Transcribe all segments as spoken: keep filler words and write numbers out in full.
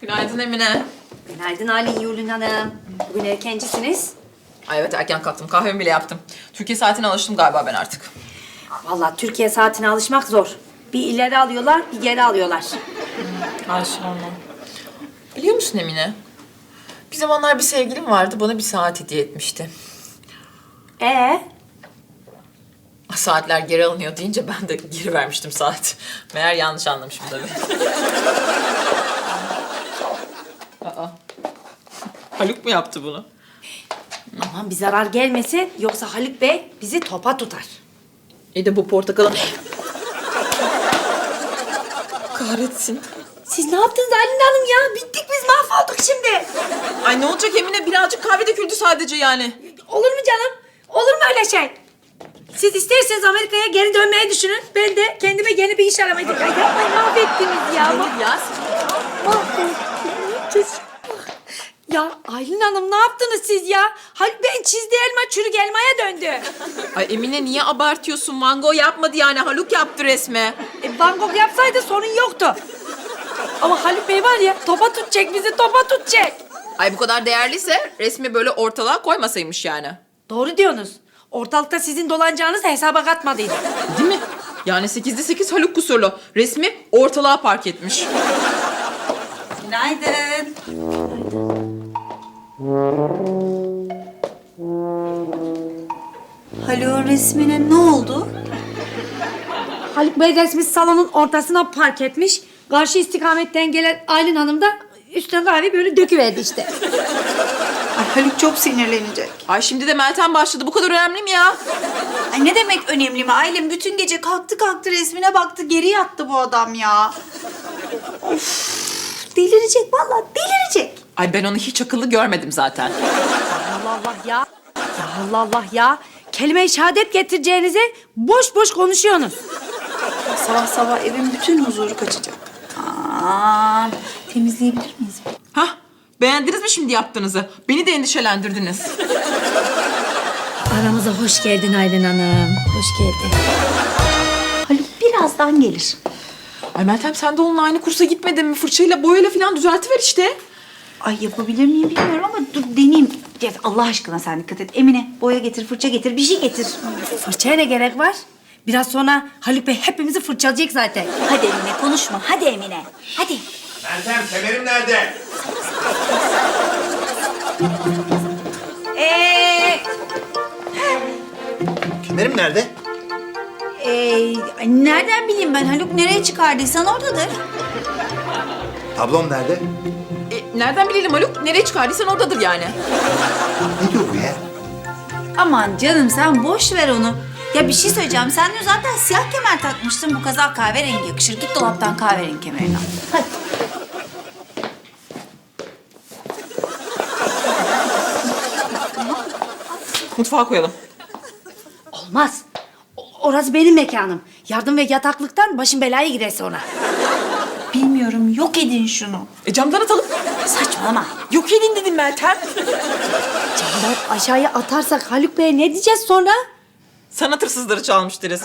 Günaydın Emine. Günaydın Aylin Yulun Hanım. Bugün erkencisiniz. Ay evet erken kalktım. Kahvemi bile yaptım. Türkiye saatine alıştım galiba ben artık. Vallahi Türkiye saatine alışmak zor. Bir ileri alıyorlar, bir geri alıyorlar. Ay sorma. Biliyor musun Emine? Bir zamanlar bir sevgilim vardı. Bana bir saat hediye etmişti. Ee, Saatler geri alınıyor deyince ben de geri vermiştim saat. Meğer yanlış anlamışım tabii. Aa. Haluk mu yaptı bunu? aman bir zarar gelmesin yoksa Haluk Bey bizi topa tutar. İyi de bu portakalın... Kahretsin. Siz ne yaptınız Aylin Hanım ya? Bittik biz, mahvolduk şimdi. Ay ne olacak Emine? Birazcık kahve döküldü sadece yani. Olur mu canım? Olur mu öyle şey? Siz isterseniz Amerika'ya geri dönmeyi düşünün. Ben de kendime yeni bir iş aramayı... Ya yapmayın, mahvettiniz ya. Hayır ya. Mahvolduk. Ya Aylin Hanım ne yaptınız siz ya? Haluk Bey'in çizdiği elma çürük elmaya döndü. Ay Emine niye abartıyorsun? Van Gogh yapmadı yani. Haluk yaptı resme. E, Van Gogh yapsaydı sorun yoktu. Ama Haluk Bey var ya, topa tutacak bizi, topa tutacak. Ay bu kadar değerliyse resmi böyle ortalığa koymasaymış yani. Doğru diyorsunuz. Ortalıkta sizin dolanacağınız hesaba katmadıydı. Değil mi? Yani sekizde sekiz Haluk kusurlu. Resmi ortalığa park etmiş. Günaydın. Haluk'un resmine ne oldu? Haluk Bey resmi salonun ortasına park etmiş. Karşı istikametten gelen Aylin Hanım da üstüne kahve böyle döküverdi işte. Ay Haluk çok sinirlenecek. Ay şimdi de Meltem başladı. Bu kadar önemli mi ya? Ay ne demek önemli mi? Ailem bütün gece kalktı kalktı resmine baktı, geri yattı bu adam ya. Of, delirecek vallahi, delirecek. Ay ben onu hiç akıllı görmedim zaten. Allah Allah ya. Ya Allah Allah ya. Kelime-i şehadet getireceğinize boş boş konuşuyorsunuz. Sabah sabah evin bütün huzuru kaçacak. Aa, temizleyebilir miyiz? Hah, beğendiniz mi şimdi yaptığınızı? Beni de endişelendirdiniz. Aramıza hoş geldin Aylin Hanım. Hoş geldin. Haluk birazdan gelir. Ay Meltem sen de onunla aynı kursa gitmedin mi? Fırçayla boyayla falan düzeltiver işte. Ay yapabilir miyim bilmiyorum ama dur deneyeyim. Ya Allah aşkına sen dikkat et. Emine boya getir, fırça getir, bir şey getir. Fırçaya ne gerek var? Biraz sonra Haluk Bey hepimizi fırçalayacak zaten. Hadi Emine konuşma. Hadi Emine. Hadi. Meltem, kemerim nerede? Ee, Kemerim nerede? ee, nereden bileyim ben? Haluk nereye çıkardıysan oradadır. Tablom nerede? E, nereden bilelim Haluk? Nereye çıkardıysan oradadır yani. Ne diyor bu ya? Aman canım sen boş ver onu. Ya bir şey söyleyeceğim. Sen de zaten siyah kemer takmıştın. Bu kazak kahverengi yakışır. Git dolaptan kahverengi kemerini al. Hadi. Mutfağa koyalım. Olmaz. O- Orası benim mekanım. Yardım ve yataklıktan başım belaya girer sonra. Bilmiyorum. Yok edin şunu. E camdan atalım. Saçmalama. Yok edin dedim Meltem. Camdan aşağıya atarsak Haluk Bey'e ne diyeceğiz sonra? Sanat hırsızları çalmış deriz.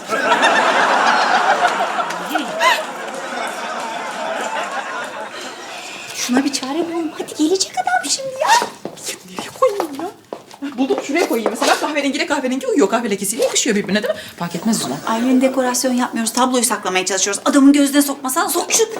Şuna bir çare bulalım. Hadi gelecek adam şimdi ya. Nereye koyayım ya? Buldum şuraya koyayım. Mesela kahverengiyle kahverengi uyuyor. Kahve lekesiyle yakışıyor birbirine değil mi? Fark etmez o zaman. Ailenin dekorasyon yapmıyoruz. Tabloyu saklamaya çalışıyoruz. Adamın gözüne sokmasan sok şu.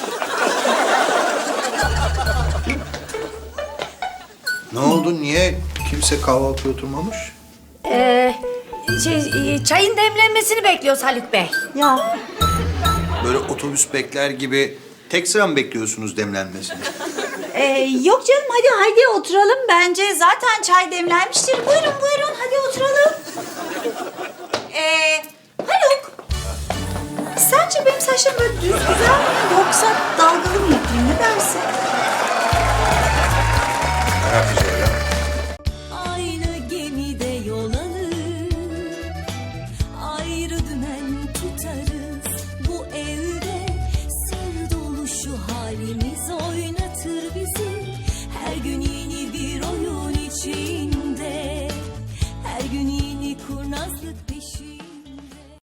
Ne oldu? Niye kimse kahvaltıya oturmamış? Ee, şey, e, çayın demlenmesini bekliyoruz Haluk Bey. Ya Böyle otobüs bekler gibi tek sıra mı bekliyorsunuz demlenmesini? Ee, yok canım hadi hadi oturalım. Bence zaten çay demlenmiştir. Buyurun buyurun hadi oturalım. Ee, Haluk. Sence benim saçlarım böyle düz güzel mi yoksa dalgalı mı yapayım ne dersin? Ne yapacağım?